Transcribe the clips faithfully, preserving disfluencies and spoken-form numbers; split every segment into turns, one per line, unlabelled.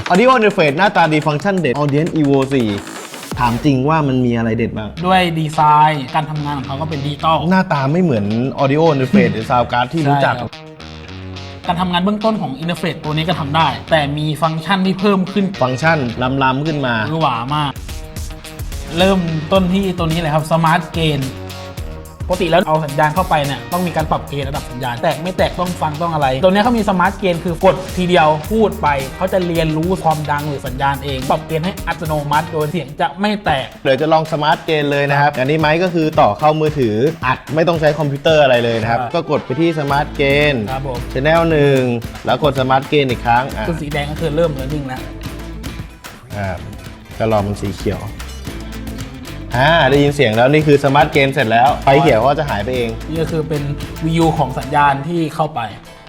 Audio Interface หน้าตาดีฟังก์ชันเด็ด Audience อี โว สี่ถามจริงว่ามันมีอะไรเด็ดบ้าง
ด้วยดีไซน์การทำงานของเขาก็เป็นดิจิตอล
หน้าตาไม่เหมือน Audio Interface หรือ Sound Card ที่รู้จัก
การทำงานเบื้องต้นของอินเทอร์เฟซตัวนี้ก็ทำได้แต่มีฟังก์ชันที่เพิ่มขึ้น
ฟังก์ชันล้ำๆขึ้นมา
หรือหวามากเริ่มต้นที่ตัวนี้เลยครับสมาร์ทเกนปกติแล้วเอาสัญญาณเข้าไปเนี่ยต้องมีการปรับเกณฑ์ระดับสัญญาณแตกไม่แตกต้องฟังต้องอะไรตัวนี้เขามีสมาร์ทเกนคือกดทีเดียวพูดไปเขาจะเรียนรู้ความดังหรือสัญญาณเองปรับเกณฑ์ให้อัตโนมัติโดยเสียงจะไม่แตก
เดี๋ยวจะลองสมาร์ทเกนเลยนะครับอันนี้ไมค์ก็คือต่อเข้ามือถืออัดไม่ต้องใช้คอมพิวเตอร์อะไรเลยนะครับก็กดไปที่สมาร์ทเกน
ครับผม
Channel หนึ่งแล้วกดสมาร์ทเกนอีกครั้ง
ตัวสีแดงก็คือเริ่มเริ่มนิ่งแล้ว
อ่าก็รอมันสีเขียวอ่าได้ยินเสียงแล้วนี่คือสมาร์ทเกนเสร็จแล้วไฟเขียวก็จะหายไปเอง
นี่ก็คือเป็นวิวของสัญญาณที่เข้าไป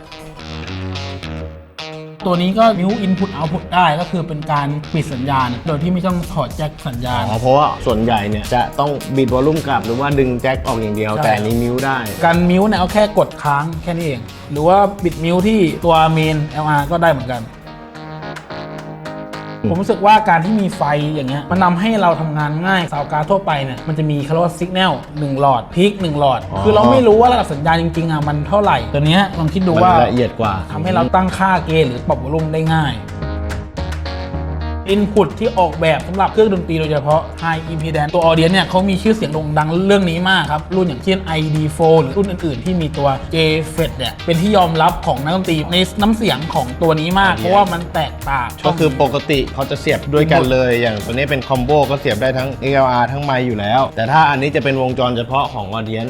ตัวนี้ก็นิ้ว Input Output ได้ก็คือเป็นการปิดสัญญาณโดยที่ไม่ต้องถอดแจ็คสัญญาณ
อ๋อเพราะว่าส่วนใหญ่เนี่ยจะต้องบิดวอลลุ่มกลับหรือว่าดึงแจ็คออกอย่างเดียวแต่นี้มิวได้
การมิวเนี่ยเอาแค่กดค้างแค่นี้เองหรือว่าบิดมิวที่ตัวเมน แอล อาร์ ก็ได้เหมือนกันผมรู้สึกว่าการที่มีไฟอย่างเงี้ยมันทำให้เราทำงานง่ายซาวการ์ดทั่วไปเนี่ยมันจะมีคาร์ลสัญญาณหนึ่งหลอดพีคหนึ่งหลอดคือเราไม่รู้ว่าระดับสัญญาณจริงๆอ่ะมันเท่าไหร่ตัวเนี้ยลองคิดดูว่า
ละเอียดกว่า
ทำให้เราตั้งค่าเกณฑ์หรือปรับวอลลุ่มได้ง่ายอินพุตที่ออกแบบสำหรับเครื่องดนตรีโดยเฉพาะ High Impedance ตัว Audience เนี่ยเขามีชื่อเสียงโด่งดังเรื่องนี้มากครับรุ่นอย่างเช่น ไอ ดี โฟร์ หรือรุ่นอื่นๆที่มีตัว J เฟด เนี่ยเป็นที่ยอมรับของนักดนตรีในน้ำเสียงของตัวนี้มากเพราะว่ามันแตกต่าง
ก็คือปกติเขาจะเสียบด้วยกันเลยอย่างตัวนี้เป็นคอมโบก็เสียบได้ทั้ง เอ็กซ์ แอล อาร์ ทั้งไมค์อยู่แล้วแต่ถ้าอันนี้จะเป็นวงจรเฉพาะของ Audience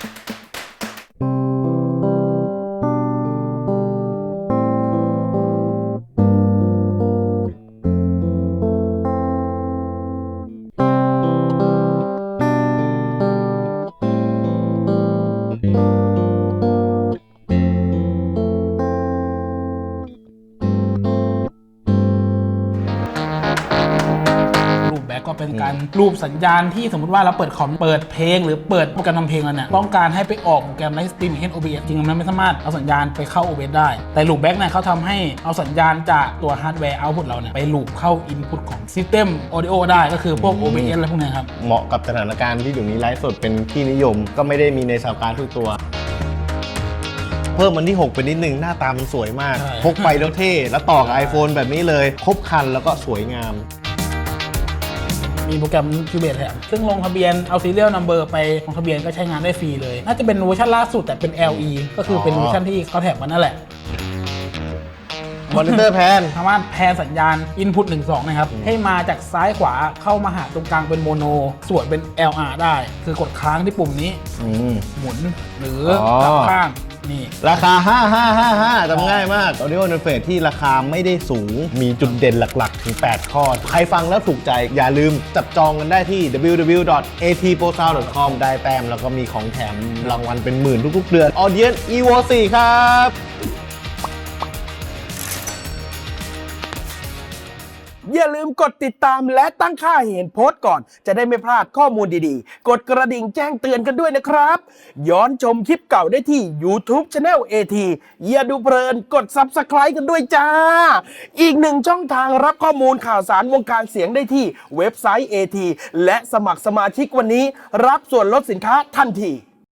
ก็เป็นการรูปสัญญาณที่สมมติว่าเราเปิดคอมเปิดเพลงหรือเปิดโปรแกรมทำเพลงแล้วเนี่ยต้องการให้ไปออกโปรแกรมไลฟ์สตรีมเช่น โอ บี เอส จริงๆมันไม่สามารถเอาสัญญาณไปเข้า โอ บี เอส ได้แต่ลูปแบ็กเนี่ยเขาทำให้เอาสัญญาณจากตัวฮาร์ดแวร์เอาท์พุตเราเนี่ยไปลูปเข้าอินพุตของซิสเต็มออดิโอได้ก็คือพวก โอ บี เอส อะไรพวกนี้ครับ
เหมาะกับสถานการณ์ที่อยู่นี้ไลฟ์สดเป็นที่นิยมก็ไม่ได้มีในซาวการ์ดทุกตัวเพิ่มมันที่หกไปนิดนึงหน้าตามันสวยมากพกไปแล้วเท่แล้วต่อกับ iPhone แบบนี้เลยครบคันแล้วก็สวยงาม
มีโปรแกรม Cubase แถมซึ่งลงทะเบียนเอา Serial Number ไปลงทะเบียนก็ใช้งานได้ฟรีเลยน่าจะเป็นเวอร์ชันล่าสุดแต่เป็น แอล อี ก็คือเป็นเวอร์ชันที่เขาแถมมานั่นแหละ
มอนิเตอร์แพน
สามารถแพนสัญญาณ Input หนึ่ง สองนะครับให้มาจากซ้ายขวาเข้ามาหาตรงกลางเป็นโมโนส่วนเป็น แอล อาร์ ได้คือกดค้างที่ปุ่มนี้หมุนหรือกลับข้างนี่
ราคาห้า ห้า ห้า ห้าจำง่ายมาก Audio Interface ที่ราคาไม่ได้สูงมีจุดเด่นหลักๆถึงแปดข้อใครฟังแล้วถูกใจอย่าลืมจับจองกันได้ที่ ดับเบิลยู ดับเบิลยู ดับเบิลยู ดอท เอ ที โปร ซาวด์ ดอท คอม ได้แต้มแล้วก็มีของแถมรางวัลเป็นหมื่นทุกๆเดือน Audience อี โว สี่ครับ
อย่าลืมกดติดตามและตั้งค่าเห็นโพสต์ก่อนจะได้ไม่พลาดข้อมูลดีๆกดกระดิ่งแจ้งเตือนกันด้วยนะครับย้อนชมคลิปเก่าได้ที่ YouTube Channel เอ ที อย่าดูเพลินกด ซับสไครบ์ กันด้วยจ้าอีกหนึ่งช่องทางรับข้อมูลข่าวสารวงการเสียงได้ที่เว็บไซต์ เอ ที และสมัครสมาชิกวันนี้รับส่วนลดสินค้าทันที